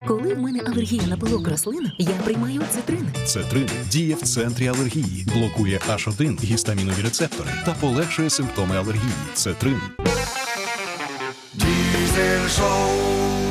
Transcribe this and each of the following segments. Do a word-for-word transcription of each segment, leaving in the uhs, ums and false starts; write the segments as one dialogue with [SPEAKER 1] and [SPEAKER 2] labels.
[SPEAKER 1] Коли в мене алергія на пилок рослин, я приймаю цитрин.
[SPEAKER 2] Цетрин діє в центрі алергії, блокує аш один гістамінові рецептори та полегшує симптоми алергії. Цетрин.
[SPEAKER 3] Diesel Show.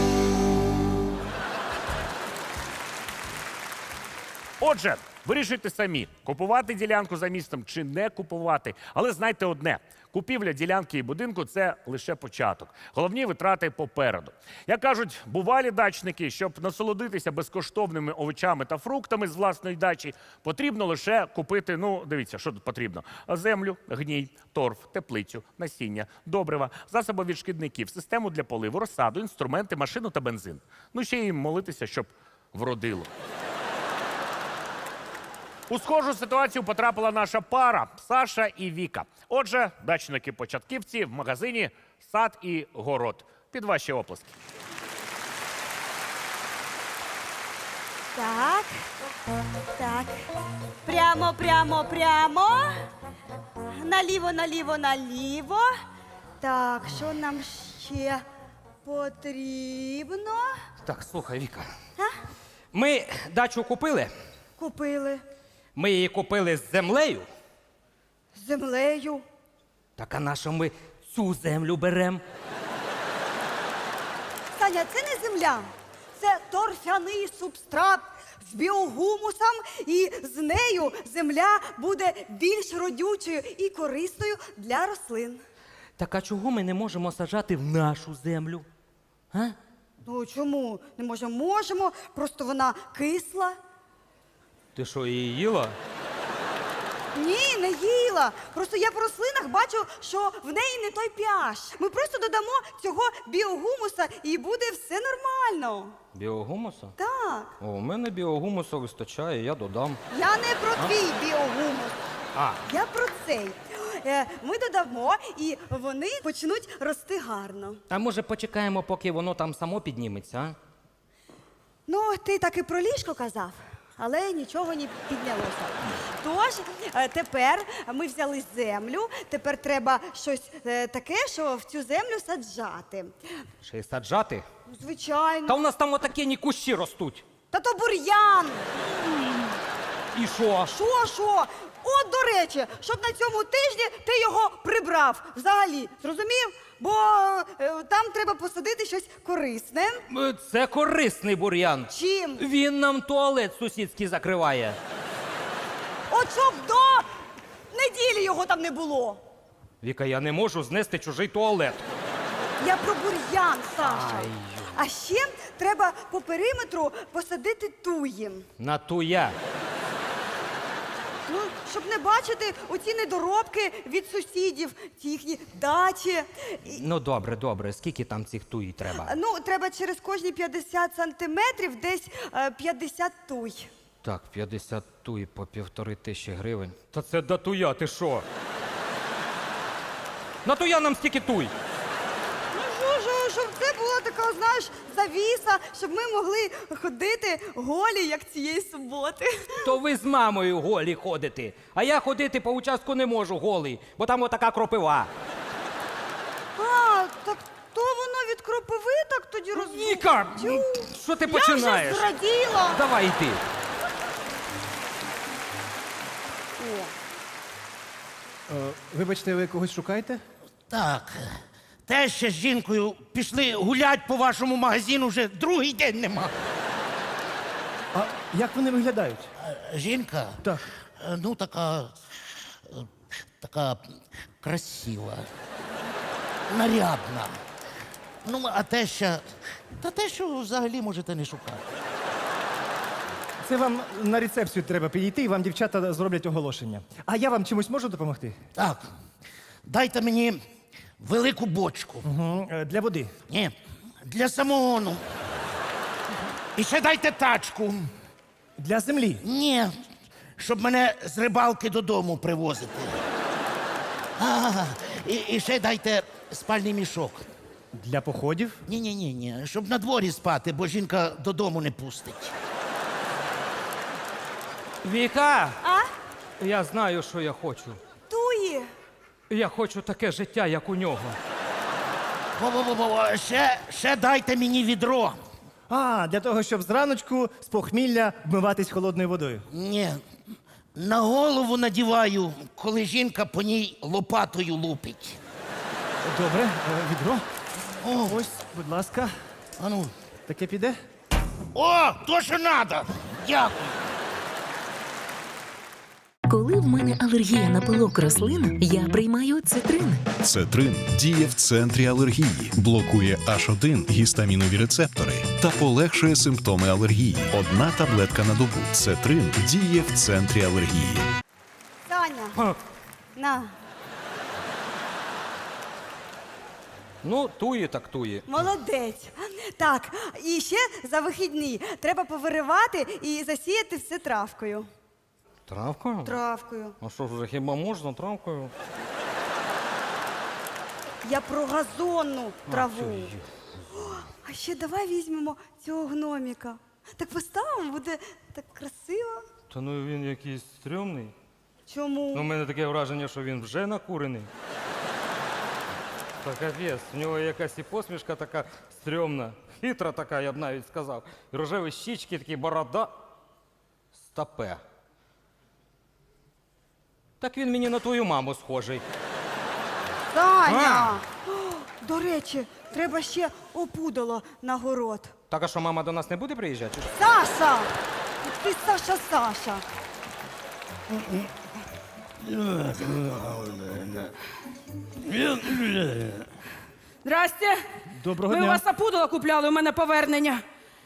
[SPEAKER 4] Отже, вирішуйте самі, купувати ділянку за містом чи не купувати. Але знайте одне, купівля ділянки і будинку – це лише початок. Головні витрати попереду. Як кажуть бувалі дачники, щоб насолодитися безкоштовними овочами та фруктами з власної дачі, потрібно лише купити, ну, дивіться, що тут потрібно. Землю, гній, торф, теплицю, насіння, добрива, засоби від шкідників, систему для поливу, розсаду, інструменти, машину та бензин. Ну, ще й молитися, щоб вродило. У схожу ситуацію потрапила наша пара Саша і Віка. Отже, дачники-початківці в магазині «Сад і город». Під ваші оплески.
[SPEAKER 5] Так, так. Прямо, прямо, прямо. Наліво, наліво, наліво. Так, що нам ще потрібно?
[SPEAKER 6] Так, слухай, Віка.
[SPEAKER 5] А?
[SPEAKER 6] Ми дачу купили.
[SPEAKER 5] Купили
[SPEAKER 6] Ми її купили з землею.
[SPEAKER 5] з землею.
[SPEAKER 6] Так а на що ми цю землю беремо?
[SPEAKER 5] Саня, це не земля. Це торфяний субстрат з біогумусом, і з нею земля буде більш родючою і корисною для рослин.
[SPEAKER 6] Так а чого ми не можемо саджати в нашу землю? А?
[SPEAKER 5] Ну чому? Не можемо? Можемо, просто вона кисла.
[SPEAKER 6] Ти що, її їла?
[SPEAKER 5] Ні, не їла. Просто я по рослинах бачу, що в неї не той pH. Ми просто додамо цього біогумуса і буде все нормально.
[SPEAKER 6] Біогумуса?
[SPEAKER 5] Так.
[SPEAKER 6] О, у мене біогумуса вистачає, я додам.
[SPEAKER 5] Я не про твій біогумус.
[SPEAKER 6] А,
[SPEAKER 5] Я про цей. Е, Ми додамо, і вони почнуть рости гарно.
[SPEAKER 6] а може почекаємо, поки воно там само підніметься, а?
[SPEAKER 5] Ну, ти так і про ліжко казав, але нічого не піднялося. Тож, е, тепер ми взяли землю, тепер треба щось е, таке, що в цю землю саджати.
[SPEAKER 6] Ще й саджати?
[SPEAKER 5] Звичайно.
[SPEAKER 6] Та у нас там отакі кущі ростуть.
[SPEAKER 5] Та то бур'ян!
[SPEAKER 6] І що?
[SPEAKER 5] Що, що? От, до речі, щоб на цьому тижні ти його прибрав взагалі, зрозумів? Бо е, там треба посадити щось корисне.
[SPEAKER 6] Е, Це корисний бур'ян.
[SPEAKER 5] Чим?
[SPEAKER 6] Він нам туалет сусідський закриває.
[SPEAKER 5] От щоб до неділі його там не було.
[SPEAKER 6] Віка, я не можу знести чужий туалет.
[SPEAKER 5] Я про бур'ян, Саша.
[SPEAKER 6] Ай.
[SPEAKER 5] А ще треба по периметру посадити туї.
[SPEAKER 6] На туя.
[SPEAKER 5] Ну, щоб не бачити оці недоробки від сусідів, ці їхні дачі. І,
[SPEAKER 6] Ну добре, добре. Скільки там цих туї треба?
[SPEAKER 5] ну, треба через кожні п'ятдесят сантиметрів десь е, п'ятдесят туй.
[SPEAKER 6] Так, п'ятдесят туї по півтори тисячі гривень. Та це до туя, ти що? На туя нам стільки туй.
[SPEAKER 5] Ну, що, що, щоб це була така, знаєш, завіса, щоб ми могли ходити голі, як цієї суботи.
[SPEAKER 6] То ви з мамою голі ходите. А я ходити по участку не можу голий, бо там отака кропива.
[SPEAKER 5] А, так то воно від кропиви так тоді роз...
[SPEAKER 6] Віка,
[SPEAKER 5] Тю.
[SPEAKER 6] що ти
[SPEAKER 5] Я
[SPEAKER 6] починаєш?
[SPEAKER 5] вже зраділа.
[SPEAKER 6] Давай йди.
[SPEAKER 5] О.
[SPEAKER 7] Е, Вибачте, ви когось шукаєте?
[SPEAKER 8] Так. Те ще з жінкою пішли гулять по вашому магазину, вже другий день нема.
[SPEAKER 7] А як вони виглядають?
[SPEAKER 8] Жінка?
[SPEAKER 7] Так.
[SPEAKER 8] Е, Ну, така. е, така красива. Нарядна. Ну, а те ще. Та те, що взагалі можете не шукати.
[SPEAKER 7] Це вам на рецепцію треба підійти, і вам дівчата зроблять оголошення. А я вам чимось можу допомогти?
[SPEAKER 8] Так. Дайте мені велику бочку.
[SPEAKER 7] Угу. Для води.
[SPEAKER 8] Ні, для самогону. І ще дайте тачку.
[SPEAKER 7] Для землі.
[SPEAKER 8] Ні, щоб мене з рибалки додому привозити. А, і, і ще дайте спальний мішок.
[SPEAKER 7] Для походів.
[SPEAKER 8] Ні, ні, ні, ні, щоб на дворі спати, бо жінка додому не пустить.
[SPEAKER 6] Віка,
[SPEAKER 5] А?
[SPEAKER 6] я знаю, що я хочу.
[SPEAKER 5] Туї.
[SPEAKER 6] Я хочу таке життя, як у нього.
[SPEAKER 8] Во-во-во, ще, ще дайте мені відро.
[SPEAKER 7] А, для того, щоб зраночку з похмілля вмиватись холодною водою.
[SPEAKER 8] Ні. На голову надіваю, коли жінка по ній лопатою лупить.
[SPEAKER 7] Добре, е, відро. О, ось, будь ласка,
[SPEAKER 8] Ану.
[SPEAKER 7] таке піде.
[SPEAKER 8] О, то що надо. Дякую.
[SPEAKER 1] Коли в мене алергія на пилок рослин, я приймаю цитрин.
[SPEAKER 2] Цетрин діє в центрі алергії, блокує аш один гістамінові рецептори та полегшує симптоми алергії. Одна таблетка на добу. Цетрин діє в центрі алергії.
[SPEAKER 5] Саня, на,
[SPEAKER 6] Ну, тує так тує.
[SPEAKER 5] молодець. Так, і ще за вихідні треба повиривати і засіяти все травкою.
[SPEAKER 6] Травкою?
[SPEAKER 5] Травкою.
[SPEAKER 6] А що ж, вже хіба можна травкою?
[SPEAKER 5] Я про газонну траву. А ще давай візьмемо цього гноміка. Так поставимо, буде так красиво.
[SPEAKER 6] Та ну він якийсь стрьомний.
[SPEAKER 5] Чому?
[SPEAKER 6] Ну, у мене таке враження, що він вже накурений. Та капець, в нього якась і посмішка така стрьомна, хитра така, я б навіть сказав. І рожеві щічки, такі борода. Стопе. Так він мені на твою маму схожий.
[SPEAKER 5] Таня! О, до речі, треба ще опудало на город.
[SPEAKER 6] Так, а що, мама до нас не буде приїжджати? чи що?
[SPEAKER 5] Саша! Ти Саша, Саша.
[SPEAKER 3] Здрасте.
[SPEAKER 7] Доброго
[SPEAKER 3] Ми
[SPEAKER 7] дня.
[SPEAKER 3] у вас опудало купляли, у мене повернення.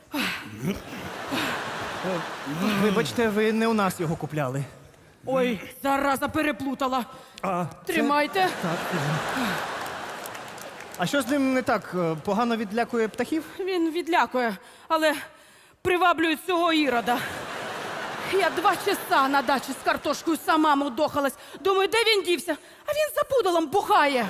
[SPEAKER 7] Вибачте, ви не у нас його купляли.
[SPEAKER 3] Ой, зараза переплутала.
[SPEAKER 7] А,
[SPEAKER 3] Тримайте.
[SPEAKER 7] а що з ним не так? Е, Погано відлякує птахів?
[SPEAKER 3] Він відлякує, але приваблює цього ірода. Я два часа на дачі з картошкою сама мудохалась. Думаю, де він дівся? А він за пудалом бухає.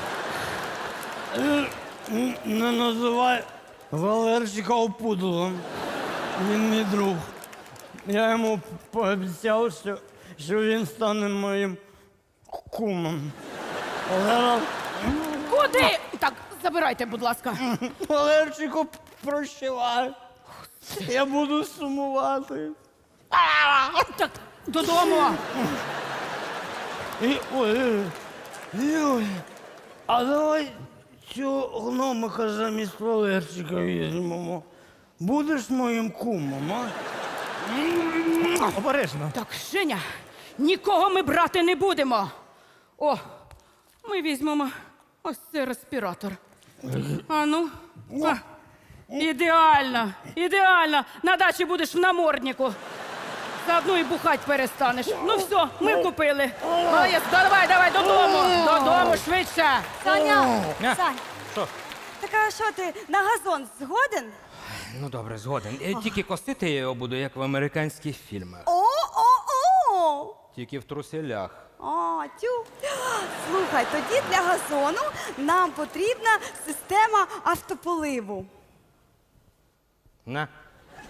[SPEAKER 9] Не називай Валерчика опудалом. Він мій друг. Я йому пообіцяв, що, що він стане моїм кумом. Валера,
[SPEAKER 3] Куди? Так, забирайте, будь ласка.
[SPEAKER 9] Валерчику, прощавай. Я буду сумувати.
[SPEAKER 3] Так, додому.
[SPEAKER 9] І, ой, ой, а давай цього гномика замість Валерчика візьмемо. Будеш моїм кумом, а?
[SPEAKER 7] Обережно.
[SPEAKER 3] Так, Женя, нікого ми брати не будемо. О, ми візьмемо ось цей респіратор. А ну. А, ідеально, ідеально. На дачі будеш в наморднику. Заодно і бухать перестанеш. Ну все, ми купили. Молодець, давай, давай, додому. Додому швидше.
[SPEAKER 5] Саня,
[SPEAKER 6] А?
[SPEAKER 5] Сань,
[SPEAKER 6] Що?
[SPEAKER 5] так а що ти на газон згоден?
[SPEAKER 6] Ну добре, згоден. Е, Тільки косити я його буду, як в американських фільмах.
[SPEAKER 5] О-о-о!
[SPEAKER 6] Тільки в труселях.
[SPEAKER 5] А, тю. Слухай, тоді для газону нам потрібна система автополиву.
[SPEAKER 6] На.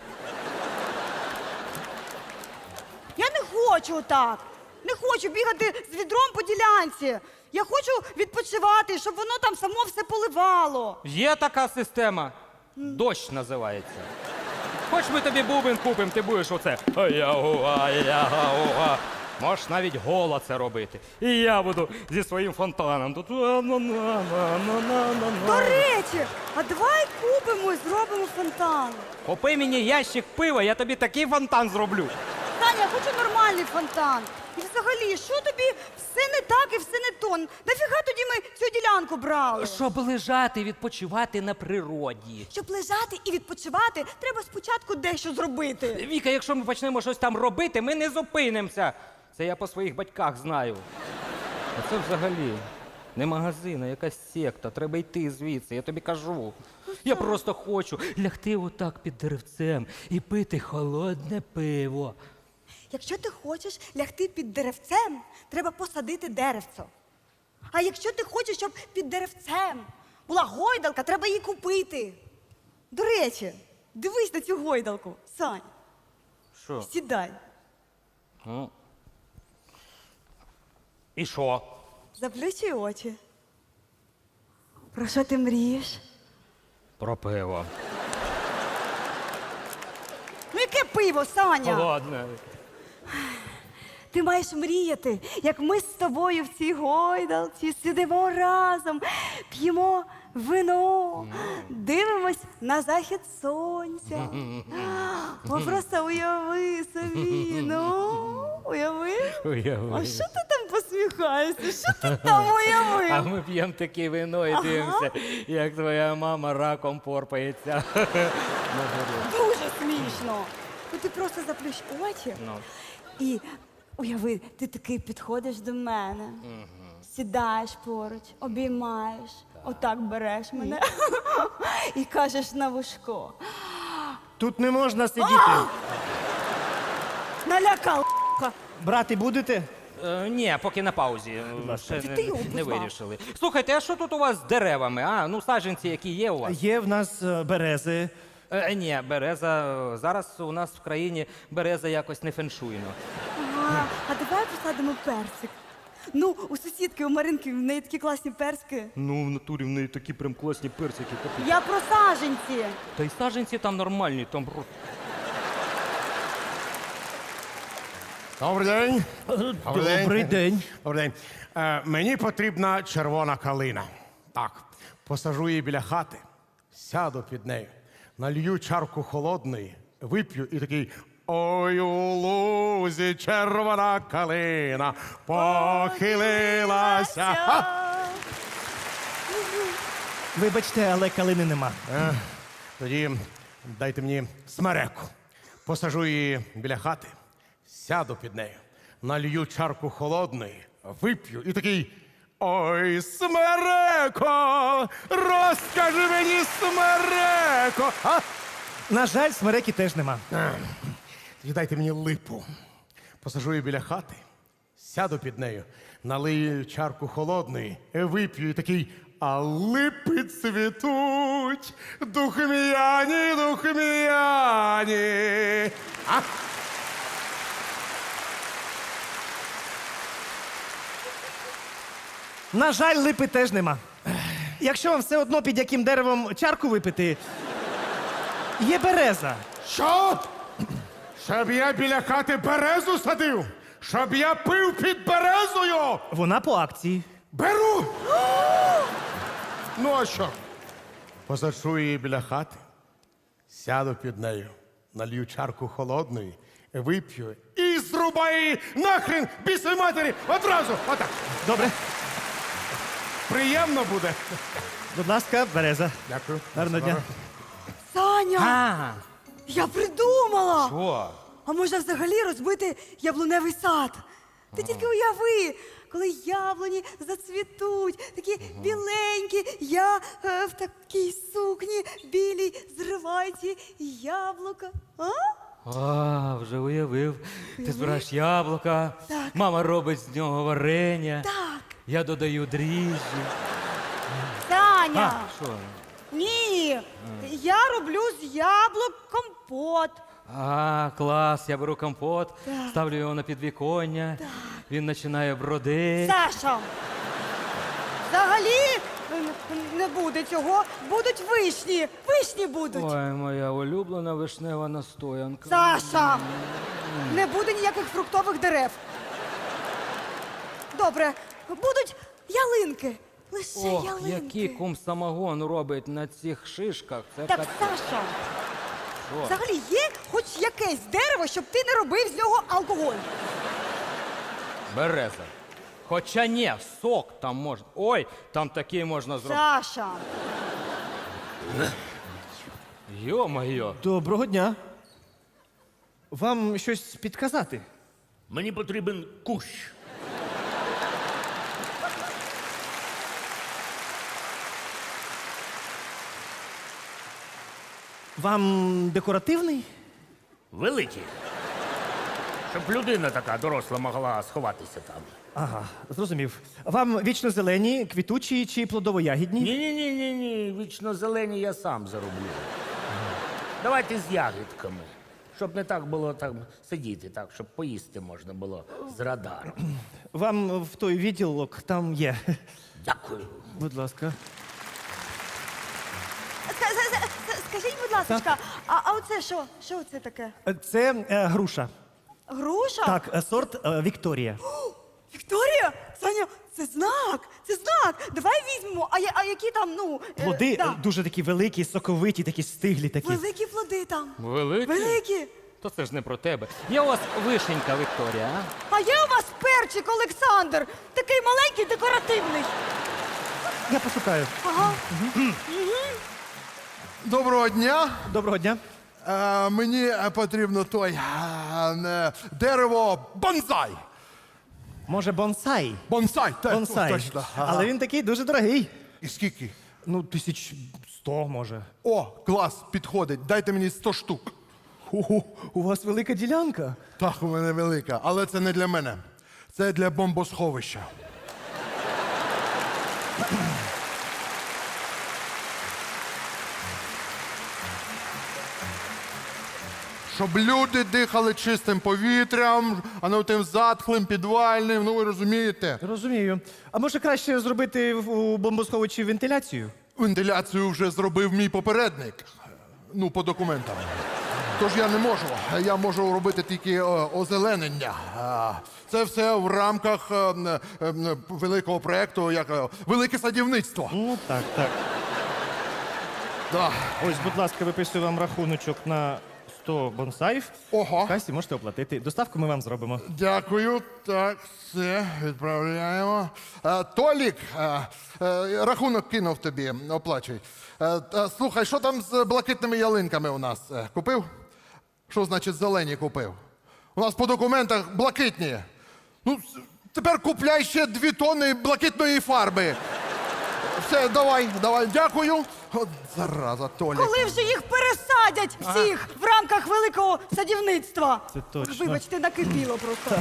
[SPEAKER 5] Я не хочу так. Не хочу бігати з відром по ділянці. Я хочу відпочивати, щоб воно там само все поливало.
[SPEAKER 6] Є така система. Дощ називається. Хоч ми тобі бубен купимо, ти будеш оце. Ая-гуа, ая-гуа. Можеш навіть голо це робити. І я буду зі своїм фонтаном. Тут.
[SPEAKER 5] До речі, а давай купимо і зробимо фонтан.
[SPEAKER 6] Купи мені ящик пива, я тобі такий фонтан зроблю.
[SPEAKER 5] Таня, я хочу нормальний фонтан. І взагалі, що тобі все не так і все не то? Нафіга тоді ми цю ділянку брали?
[SPEAKER 6] Щоб лежати, відпочивати на природі.
[SPEAKER 5] Щоб лежати і відпочивати, треба спочатку дещо зробити.
[SPEAKER 6] Віка, якщо ми почнемо щось там робити, ми не зупинимося. Це я по своїх батьках знаю. А це взагалі не магазин, а якась секта. Треба йти звідси, я тобі кажу. Я просто хочу лягти отак під деревцем і пити холодне пиво.
[SPEAKER 5] Якщо ти хочеш лягти під деревцем, треба посадити деревце. А якщо ти хочеш, щоб під деревцем була гойдалка, треба її купити. До речі, дивись на цю гойдалку, Сань.
[SPEAKER 6] Що?
[SPEAKER 5] Сідай.
[SPEAKER 6] Ну. І що?
[SPEAKER 5] Заплющуй очі. Про що ти мрієш?
[SPEAKER 6] Про пиво.
[SPEAKER 5] яке пиво, Саня?
[SPEAKER 6] Ладно.
[SPEAKER 5] Ти маєш мріяти, як ми з тобою в цій гойдалці сидимо разом, п'ємо вино, дивимось на захід сонця. О, просто уяви собі, ну, уяви.
[SPEAKER 6] Уяви.
[SPEAKER 5] А що ти там посміхаєшся? Що ти там уявив?
[SPEAKER 6] А ми п'ємо таке вино і дивимося, як твоя мама раком порпається.
[SPEAKER 5] Дуже смішно. Ну ти просто заплющ очі
[SPEAKER 6] Ну.
[SPEAKER 5] і уяви, ти такий підходиш до мене, сідаєш поруч, обіймаєш, отак береш мене і кажеш на вушко.
[SPEAKER 7] Тут не можна сидіти.
[SPEAKER 5] Налякав.
[SPEAKER 7] Брати будете?
[SPEAKER 6] Е, ні, поки на паузі. Ще
[SPEAKER 5] Ти
[SPEAKER 6] не,
[SPEAKER 5] його
[SPEAKER 6] не
[SPEAKER 5] позвав.
[SPEAKER 6] вирішили. Слухайте, а що тут у вас з деревами? А, ну саджанці, які є у вас?
[SPEAKER 7] Є в нас е, берези.
[SPEAKER 6] Е, ні, береза. е, Зараз у нас в країні береза якось не феншуйно.
[SPEAKER 5] Ага, а давай посадимо персик. Ну, у сусідки, у Маринки, в неї такі класні персики.
[SPEAKER 6] Ну, в натурі в неї такі прям класні персики.
[SPEAKER 5] Я про саженці.
[SPEAKER 6] Та й саджанці там нормальні, там.
[SPEAKER 10] Добрий день.
[SPEAKER 7] Добрий день.
[SPEAKER 10] Добрий день. Е, мені потрібна червона калина. Так, посажу її біля хати, сяду під нею, налью чарку холодної, вип'ю і такий ой у лузі червона калина похилилася. Ха!
[SPEAKER 7] Вибачте, але калини нема.
[SPEAKER 10] Е, тоді дайте мені смереку. Посажу її біля хати, сяду під нею, налью чарку холодної, вип'ю і такий ой, смереко, розкажи мені, смереко. А?
[SPEAKER 7] На жаль, смереки теж нема.
[SPEAKER 10] Тоді дайте мені липу. Посажу її біля хати, сяду під нею, налию чарку холодної, вип'ю і такий а липи цвітуть, духмяні, духмяні. А?
[SPEAKER 7] На жаль, липи теж нема. Якщо вам все одно під яким деревом чарку випити, є береза.
[SPEAKER 10] Що? Щоб я біля хати березу садив? Щоб я пив під березою?
[SPEAKER 7] Вона по акції.
[SPEAKER 10] Беру! Ну а що? Посаджу її біля хати, сяду під нею, налью чарку холодної, вип'ю і зрубаю її нахрен бісовій матері одразу. Отак.
[SPEAKER 7] Добре.
[SPEAKER 10] Приємно буде.
[SPEAKER 7] Будь ласка, береза.
[SPEAKER 10] Дякую.
[SPEAKER 7] Гарного дня.
[SPEAKER 5] Саня,
[SPEAKER 6] А,
[SPEAKER 5] я придумала.
[SPEAKER 6] що?
[SPEAKER 5] А можна взагалі розбити яблуневий сад? Ти тільки уяви, коли яблуні зацвітуть, такі біленькі, я е, в такій сукні білій зриваю ці яблука. А?
[SPEAKER 6] А, вже уявив. Ти збираєш яблука,
[SPEAKER 5] Так.
[SPEAKER 6] мама робить з нього варення.
[SPEAKER 5] Так,
[SPEAKER 6] Я додаю дріжджі.
[SPEAKER 5] Саня,
[SPEAKER 6] А, що?
[SPEAKER 5] ні, я роблю з яблук компот.
[SPEAKER 6] А, клас, я беру компот,
[SPEAKER 5] Так.
[SPEAKER 6] ставлю його на підвіконня, він починає бродити.
[SPEAKER 5] Саша, взагалі е, не буде цього, будуть вишні, вишні будуть.
[SPEAKER 6] Ой, моя улюблена вишнева настоянка.
[SPEAKER 5] Саша! Не буде ніяких фруктових дерев. Добре, будуть ялинки. Лише
[SPEAKER 6] Ох,
[SPEAKER 5] ялинки.
[SPEAKER 6] який кум самогон робить на цих шишках. Це
[SPEAKER 5] Так,
[SPEAKER 6] капець.
[SPEAKER 5] Саша,
[SPEAKER 6] Що?
[SPEAKER 5] взагалі є хоч якесь дерево, щоб ти не робив з нього алкоголь.
[SPEAKER 6] Береза. Хоча ні, сок там можна. Ой, там такий можна зробити.
[SPEAKER 5] Саша,
[SPEAKER 6] Йо-моє.
[SPEAKER 7] Доброго дня. Вам щось підказати?
[SPEAKER 8] Мені потрібен кущ.
[SPEAKER 7] Вам декоративний?
[SPEAKER 8] Великий. Щоб людина така доросла могла сховатися там.
[SPEAKER 7] Ага, зрозумів. Вам вічно зелені, квітучі чи плодово-ягідні?
[SPEAKER 8] Ні, ні, ні, ні, ні. Вічно зелені я сам зароблю. Давайте з ягідками. Щоб не так було там сидіти, так, щоб поїсти можна було з радару.
[SPEAKER 7] Вам в той відділок там є.
[SPEAKER 8] Дякую.
[SPEAKER 7] Будь ласка.
[SPEAKER 5] ска- ска- ска- скажіть, будь будь ласка, а, а оце що? Що це таке?
[SPEAKER 7] Це е, груша.
[SPEAKER 5] Груша?
[SPEAKER 7] Так, е, сорт е, Вікторія.
[SPEAKER 5] Вікторія? Саня, це знак, це знак. Давай візьмемо. А, я- а які там, ну... е,
[SPEAKER 7] Плоди
[SPEAKER 5] да.
[SPEAKER 7] е, дуже такі великі, соковиті, такі стиглі такі.
[SPEAKER 5] Великі плоди там.
[SPEAKER 6] Великі?
[SPEAKER 5] Великі.
[SPEAKER 6] То це ж не про тебе. Є у вас вишенька, Вікторія, а?
[SPEAKER 5] А є у вас перчик, Олександр. Такий маленький, декоративний.
[SPEAKER 7] Я пошукаю.
[SPEAKER 5] Ага.
[SPEAKER 10] Доброго дня.
[SPEAKER 7] Доброго дня.
[SPEAKER 10] Е, мені е, потрібно той е, е, дерево бонзай.
[SPEAKER 7] Може, бонсай?
[SPEAKER 10] Бонсай, так,
[SPEAKER 7] Бонсай.
[SPEAKER 10] точно. Ага.
[SPEAKER 7] Але він такий дуже дорогий.
[SPEAKER 10] І скільки?
[SPEAKER 7] Ну, тисяч сто, може.
[SPEAKER 10] О, клас, підходить. Дайте мені сто штук.
[SPEAKER 7] Ого, у вас велика ділянка.
[SPEAKER 10] Так, у мене велика, але це не для мене. Це для бомбосховища. Щоб люди дихали чистим повітрям, а не тим затхлим, підвальним, ну ви розумієте.
[SPEAKER 7] Розумію. А може краще зробити в- у бомбосховищі вентиляцію?
[SPEAKER 10] Вентиляцію вже зробив мій попередник. Ну, по документам. Тож я не можу. Я можу робити тільки е, озеленення. А, Це все в рамках е, е, е, великого проєкту, як е, велике садівництво.
[SPEAKER 7] Ну, так, так.
[SPEAKER 10] Да.
[SPEAKER 7] Ось, будь ласка, виписую вам рахуночок на сто бонсаїв.
[SPEAKER 10] Ого.
[SPEAKER 7] В касі можете оплатити. Доставку ми вам зробимо.
[SPEAKER 10] Дякую. Так, все, відправляємо. Е, Толік, е, е, рахунок кинув тобі, оплачуй. Е, е, слухай, що там з блакитними ялинками у нас? Е, Купив? Що значить зелені купив? У нас по документах блакитні. Ну, с- тепер купляй ще дві тонни блакитної фарби. Все, давай, давай, дякую. От зараза, Толік.
[SPEAKER 5] Коли вже їх пересадять всіх в рамках великого садівництва?
[SPEAKER 7] Це точно.
[SPEAKER 5] Вибачте, накипіло просто.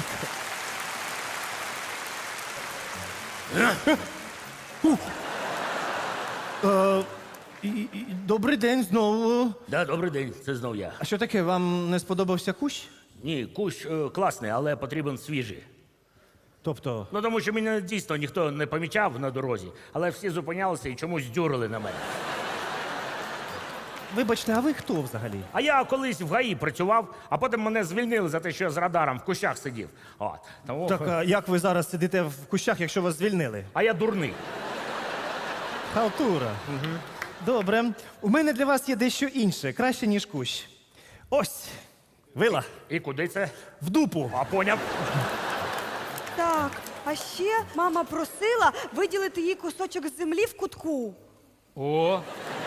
[SPEAKER 7] Е, і, і, добрий день знову.
[SPEAKER 8] Да, добрий день, це знов я.
[SPEAKER 7] А що таке, вам не сподобався кущ?
[SPEAKER 8] Ні, кущ е, класний, але потрібен свіжий.
[SPEAKER 7] Тобто,
[SPEAKER 8] Ну тому що мене дійсно ніхто не помічав на дорозі, але всі зупинялися і чомусь дюрили на мене.
[SPEAKER 7] вибачте, а ви хто взагалі?
[SPEAKER 8] А я колись в ГАІ працював, а потім мене звільнили за те, що я з радаром в кущах сидів. От. Тому...
[SPEAKER 7] Так, а як ви зараз сидите в кущах, якщо вас звільнили?
[SPEAKER 8] А я дурний.
[SPEAKER 7] Халтура. Угу. Добре. У мене для вас є дещо інше, краще, ніж кущ. Ось, вила.
[SPEAKER 8] І куди це?
[SPEAKER 7] В дупу.
[SPEAKER 8] А поняв?
[SPEAKER 5] Так, а ще мама просила виділити їй кусочок землі в кутку.
[SPEAKER 6] О,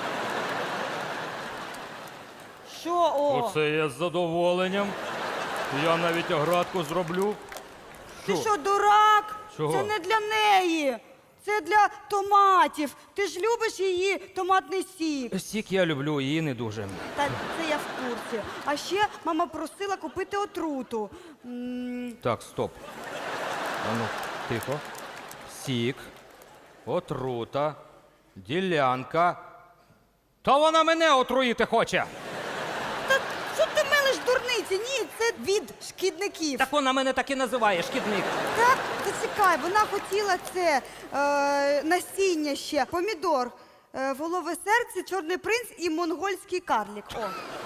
[SPEAKER 5] Що о?
[SPEAKER 6] оце я з задоволенням. Я навіть оградку зроблю.
[SPEAKER 5] Ти що, дурак?
[SPEAKER 6] Чого?
[SPEAKER 5] Це не для неї. Це для томатів. Ти ж любиш її томатний сік.
[SPEAKER 6] Сік я люблю, її не дуже.
[SPEAKER 5] Та це я в курсі. А ще мама просила купити отруту. М,
[SPEAKER 6] Так, стоп. Ану, тихо. Сік, отрута, ділянка. Та вона мене отруїти хоче.
[SPEAKER 5] Та що ти мелиш дурниці? Ні, це від шкідників.
[SPEAKER 6] Так вона мене так і називає, шкідник.
[SPEAKER 5] Так, зачекай, вона хотіла це е, насіння ще, помідор, е, волове серце, чорний принц і монгольський карлік. О.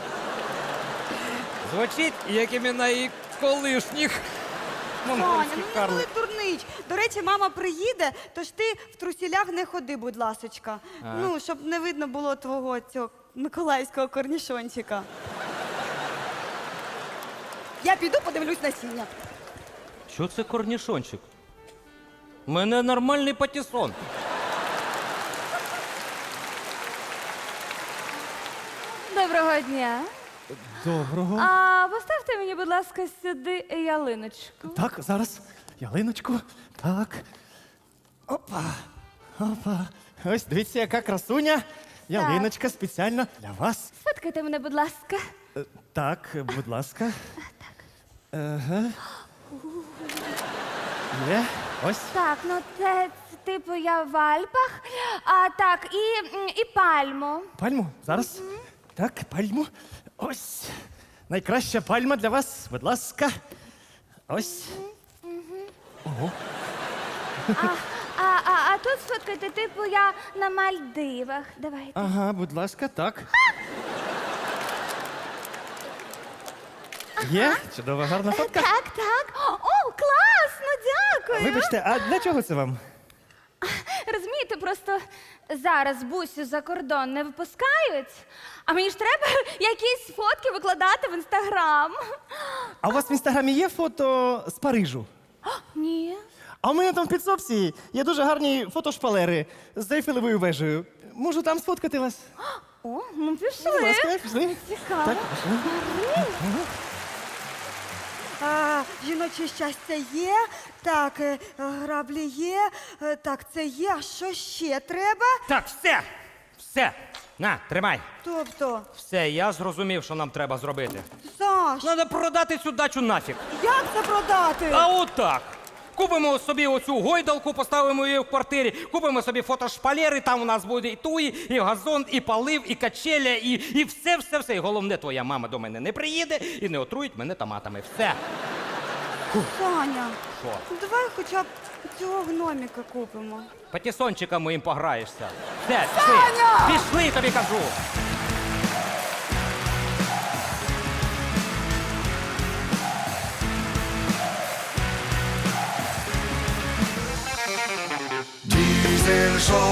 [SPEAKER 6] Звучить, як імена її колишніх.
[SPEAKER 5] Таня,
[SPEAKER 6] Монгольський
[SPEAKER 5] ну не
[SPEAKER 6] карлик.
[SPEAKER 5] були дурнич. До речі, мама приїде, тож ти в трусілях не ходи, будь ласочка. Ну, щоб не видно було твого цього миколаївського корнішончика. Я піду подивлюсь насіння.
[SPEAKER 6] Що це корнішончик? У мене нормальний патісон.
[SPEAKER 11] Доброго дня.
[SPEAKER 7] Доброго.
[SPEAKER 11] А поставте мені, будь ласка, сюди ялиночку.
[SPEAKER 7] Так, зараз. Ялиночку. Так. Опа. Опа. Ось дивіться, яка красуня. Ялиночка спеціально для вас.
[SPEAKER 11] Сфоткайте мене, будь ласка.
[SPEAKER 7] Е, Так, будь ласка. Ага. Є. Ось.
[SPEAKER 11] Так, ну це, це типу я в Альпах. А так, і, м, і пальму.
[SPEAKER 7] Пальму. Зараз. Так, пальму. Ось. Найкраща пальма для вас. Будь ласка. Ось. Ого.
[SPEAKER 11] А, а, а, а тут сфоткайте, типу я на Мальдивах. Давайте.
[SPEAKER 7] Ага, будь ласка, так. Є? Чудова, гарна фотка.
[SPEAKER 11] Так, так. О, класно, дякую.
[SPEAKER 7] Вибачте, а для чого це вам?
[SPEAKER 11] Розумієте, просто зараз бусю за кордон не випускають, а мені ж треба якісь фотки викладати в інстаграм.
[SPEAKER 7] А у вас в інстаграмі є фото з Парижу?
[SPEAKER 11] Ні.
[SPEAKER 7] А у мене там в підсобці є дуже гарні фотошпалери з Ейфелевою вежею. Можу там сфоткати вас?
[SPEAKER 11] О, ну пішли.
[SPEAKER 7] Будь ласка, пішли.
[SPEAKER 11] Цікаво.
[SPEAKER 7] Так, пішли.
[SPEAKER 5] А, жіноче щастя є, так, е, граблі є, е, так, це є, а що ще треба?
[SPEAKER 6] Так, все! Все! На, тримай.
[SPEAKER 5] Тобто,
[SPEAKER 6] Все, я зрозумів, що нам треба зробити.
[SPEAKER 5] Саш,
[SPEAKER 6] Треба продати цю дачу нафіг.
[SPEAKER 5] як це продати?
[SPEAKER 6] А отак. Купимо собі оцю гойдалку, поставимо її в квартирі, купимо собі фотошпалери, там у нас буде і туї, і газон, і полив, і качеля, і, і все, все, все. І головне, твоя мама до мене не приїде і не отруїть мене томатами. Все.
[SPEAKER 5] Саня,
[SPEAKER 6] Що?
[SPEAKER 5] давай хоча б цього гноміка купимо.
[SPEAKER 6] Патісончиком моїм пограєшся. Все, пішли. Пішли, тобі кажу.
[SPEAKER 12] Diesel Show.